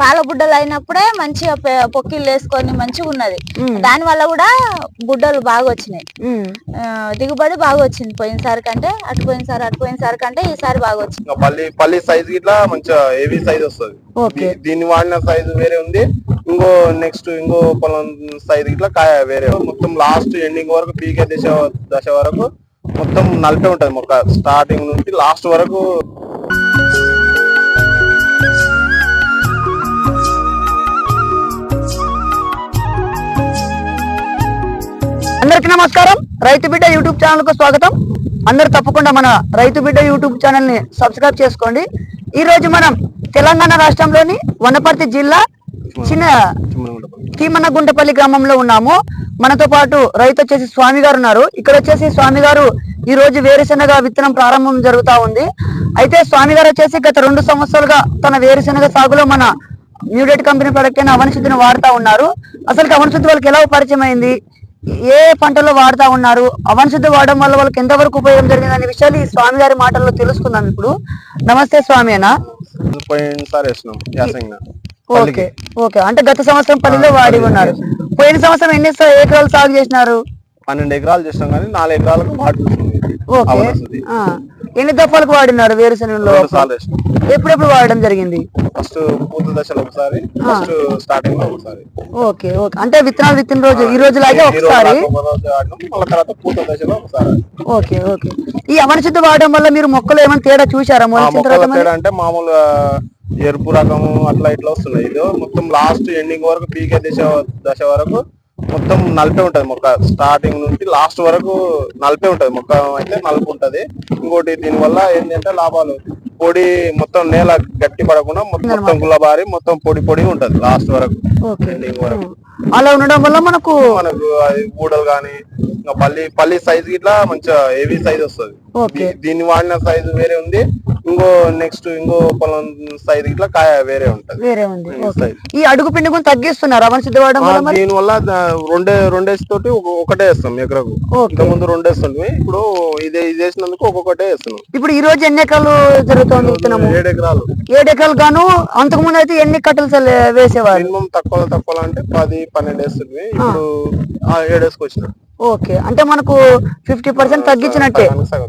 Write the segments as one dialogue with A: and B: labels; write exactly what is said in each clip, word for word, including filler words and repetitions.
A: పాల బుడ్డలు అయినప్పుడే మంచిగా పొక్కిళ్ళు వేసుకొని మంచిగా ఉన్నది. దాని వల్ల కూడా బుడ్డలు బాగా వచ్చినాయి, దిగుబడి బాగా వచ్చింది. పోయినసారి కంటే అటు పోయినసారి అటు పోయినసారి కంటే ఈసారి బాగా వచ్చింది.
B: పల్లి పల్లి సైజ్ ఇట్లా మంచిగా హెవీ సైజ్ వస్తుంది. దీన్ని వాడిన సైజు వేరే ఉంది, ఇంకో నెక్స్ట్ ఇంకో పొలం సైజ్ ఇట్లా కాయ వేరే. మొత్తం లాస్ట్ ఎండింగ్ వరకు పీకే దశ దశ వరకు మొత్తం నలిపే ఉంటది మొక్క, స్టార్టింగ్ నుంచి లాస్ట్ వరకు.
C: అందరికి నమస్కారం. రైతు బిడ్డ యూట్యూబ్ ఛానల్ కు స్వాగతం. అందరు తప్పకుండా మన రైతు బిడ్డ యూట్యూబ్ ఛానల్ ని సబ్స్క్రైబ్ చేసుకోండి. ఈ రోజు మనం తెలంగాణ రాష్ట్రంలోని వనపర్తి జిల్లా చిన్న కీమనగుంటపల్లి గ్రామంలో ఉన్నాము. మనతో పాటు రైతు వచ్చేసి స్వామి గారు ఉన్నారు. ఇక్కడ వచ్చేసి స్వామి గారు ఈ రోజు వేరుశెనగ విత్తనం ప్రారంభం జరుగుతా ఉంది. అయితే స్వామి గారు వచ్చేసి గత రెండు సంవత్సరాలుగా తన వేరుశెనగ సాగులో మన న్యూడేట్ కంపెనీ ప్రొడక్ట్ అయిన అవనశుద్ధిని వాడుతా ఉన్నారు. అసలు అవనశుద్ధి వాళ్ళకి ఎలా పరిచయం అయింది, ఏ పంటలో వాడుతా ఉన్నారు, అవనశుద్ధి వాడడం వల్ల వాళ్ళకి ఎంతవరకు ఉపయోగం జరిగింది అనే విషయాలు ఈ స్వామి గారి మాటల్లో తెలుసుకుందాం ఇప్పుడు. నమస్తే స్వామి అన్న. ఓకే ఓకే అంటే గత సంవత్సరం పనిలో వాడి ఉన్నారు. పోయిన సంవత్సరం ఎన్ని ఎకరాలు సాగు చేసినారు?
B: పన్నెండు ఎకరాలు చేసినాం కానీ నాలుగు ఎకరాలకు వాడుతుంది.
C: ఎన్ని దఫాలకు వాడినారు వేరుశెనగలో? ఎప్పుడెప్పుడు వాడడం జరిగింది?
B: ఫస్ట్ పూత దశలో ఒకసారి, ఫస్ట్ స్టార్టింగ్ లో ఒకసారి.
C: ఓకే ఓకే అంటే విత్తనాలు విత్తిన రోజు ఈ రోజు లాగే ఒకసారి,
B: తర్వాత పూత దశలో ఒకసారి.
C: ఓకే ఓకే ఈ అవనశుద్ధి వాడడం వల్ల మీరు మొక్కలు ఏమైనా తేడా చూసారా?
B: తేడా అంటే మామూలు ఎరుపు రకము అట్లా ఇట్లా వస్తున్నాయి. ఇది మొత్తం లాస్ట్ ఎండింగ్ వరకు పీకే దశ దశ వరకు మొత్తం నలిపే ఉంటది మొక్క, స్టార్టింగ్ నుంచి లాస్ట్ వరకు నలిపే ఉంటది మొక్క. అయితే నలుపు ఉంటది. ఇంకోటి దీని వల్ల ఏంటంటే లాభాలు, పొడి మొత్తం నేల గట్టి పడకుండా మొత్తం గుల్లబారి మొత్తం పొడి పొడి ఉంటది లాస్ట్ వరకు ఎండింగ్ వరకు.
C: అలా ఉండడం వల్ల మనకు
B: మనకు అది ఊడలు గానీ ఇంకా పల్లి పల్లి సైజ్ ఇట్లా మంచిగా హెవీ సైజ్ వస్తుంది. దీన్ని వాడిన సైజు వేరే ఉంది, ఇంకో నెక్స్ట్ ఇంకో పొలం సైజ్ ఇట్లా కాయ వేరే ఉంటది,
C: వేరే ఉంది. ఈ అడుగు పిండి కూడా తగ్గిస్తున్నారు అవనశుద్ధి వాడడం వల్ల.
B: దీని వల్ల రెండే రెండేసి తోటి ఒకటే వేస్తాం ఎకరకు. ఇంత ముందు రెండేస్తుంది, ఇప్పుడు ఇదే ఇది వేసినందుకు ఒక్కొక్కటే వేస్తున్నాం.
C: ఇప్పుడు ఈ రోజు ఎన్ని ఎకరాలు జరుగుతుంది?
B: ఏడు ఎకరాలు.
C: ఏడు ఎకరాలు గాను అంతకు ముందు అయితే ఎన్ని కట్టలు వేసేవారు?
B: మినిమం తక్కువ తక్కువ అంటే పది పన్నెండు వేస్తుంది, ఇప్పుడు ఏడు వేసుకొచ్చిన.
C: ఓకే అంటే మనకు ఫిఫ్టీ పర్సెంట్ తగ్గించినట్టే.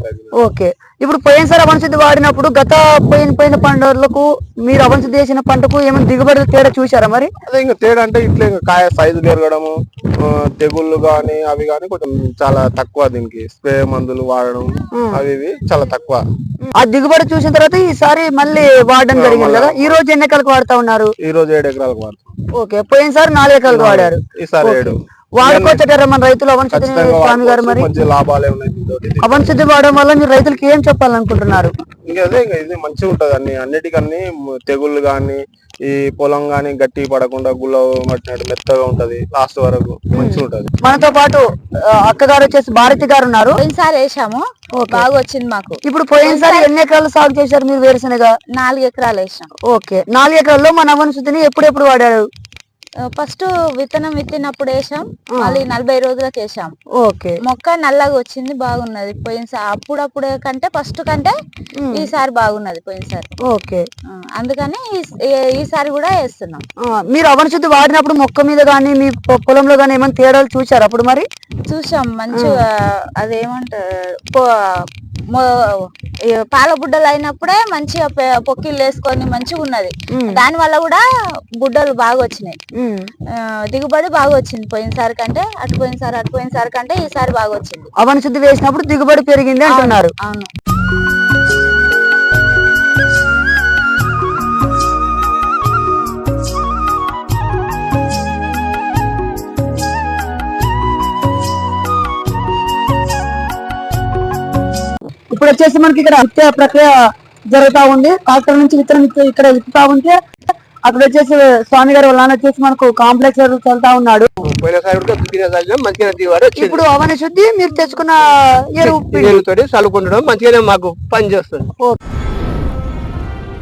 C: ఓకే ఇప్పుడు పోయినసారి అవనశుద్ధి వాడినప్పుడు గత పోయిన పోయిన పంటలకు మీరు అవనశుద్ధి చేసిన పంటకు ఏమైనా దిగుబడి తేడా చూసారా మరి?
B: అదే ఇంకా తేడా అంటే ఇట్లా కాయ సైజు పెరగడము, తెగుళ్ళు గానీ అవి గానీ కొంచెం చాలా తక్కువ. దీనికి స్ప్రే మందులు వాడడం అవి ఇవి చాలా తక్కువ.
C: ఆ దిగుబడి చూసిన తర్వాత ఈసారి మళ్ళీ వాడడం జరిగింది కదా. ఈ రోజు ఎన్ని ఎకరాలకు వాడుతా ఉన్నారు?
B: ఈ రోజు ఏడు ఎకరాలకు వాడుతాం.
C: ఓకే పోయినసారి నాలుగు ఎకరాలకు వాడారు,
B: ఈసారి ఏడు.
C: వాడుకోవచ్చారా మన రైతులు అవనశుద్ధి? స్వామి గారు మరి
B: లాభాలే ఉన్నాయి
C: అవనశుద్ధి వాడడం వల్ల మీరు రైతులకి ఏం చెప్పాలనుకుంటున్నారు?
B: ఇంకా అదే ఇంకా ఇది మంచిగా ఉంటది. అన్ని అన్నిటికన్నీ తెగుళ్ళు గానీ ఈ పొలం గానీ గట్టి పడకుండా గుల్ల పట్టినట్టు మెత్తగా ఉంటది, లాస్ట్ వరకు మంచిగా ఉంటది.
C: మనతో పాటు అక్క గారు వచ్చేసి భారతి గారు ఉన్నారు.
A: పోయినసారి వేసాము, బాగా వచ్చింది మాకు.
C: ఇప్పుడు పోయినసారి ఎన్ని ఎకరాలు సాగు చేశారు మీరు వేరుశెనగ?
A: నాలుగు ఎకరాలు వేసాం.
C: ఓకే నాలుగు ఎకరాల్లో మన అవనశుద్ధిని ఎప్పుడెప్పుడు వాడారు?
A: ఫస్ట్ విత్తనం విత్తినప్పుడు వేసాం, మళ్ళీ నలభై రోజులకు వేసాం.
C: ఓకే
A: మొక్క నల్లగా వచ్చింది, బాగున్నది. పోయినసారి అప్పుడప్పుడే కంటే ఫస్ట్ కంటే ఈసారి బాగున్నది పోయినసారి.
C: ఓకే
A: అందుకని ఈసారి కూడా వేస్తున్నాం.
C: మీరు అవనశుద్ధి వాడినప్పుడు మొక్క మీద గానీ మీ పొలంలో గానీ ఏమైనా తేడాలు చూసారు అప్పుడు? మరి
A: చూసాం మంచిగా. అదేమంటారు పాల బుడ్డలు అయినప్పుడే మంచిగా పొక్కిళ్ళు వేసుకొని మంచిగా ఉన్నది. దాని వల్ల కూడా బుడ్డలు బాగా వచ్చినాయి, దిగుబడి బాగా వచ్చింది. పోయినసారి కంటే అటు పోయినసారి అటు పోయినసారి కంటే ఈసారి బాగా వచ్చింది.
C: అవనశుద్ధి వేసినప్పుడు దిగుబడి పెరిగింది అంటున్నారు.
A: అవును.
C: ఇప్పుడు వచ్చేసి మనకి ఇక్కడ విత్తే ప్రక్రియ జరుగుతా ఉంది. ట్రాక్టర్ నుంచి విత్తనం ఇక్కడ విత్తుతా ఉంటే అక్కడ వచ్చేసి స్వామి గారు వాళ్ళ నాన్న వచ్చేసి మనకు కాంప్లెక్స్ చల్లుతా ఉన్నాడు. ఇప్పుడు అవనశుద్ధి మీరు తెచ్చుకున్న ఎరువు
D: చల్లుకుంటడం మంచిగానే మాకు పని చేస్తుంది.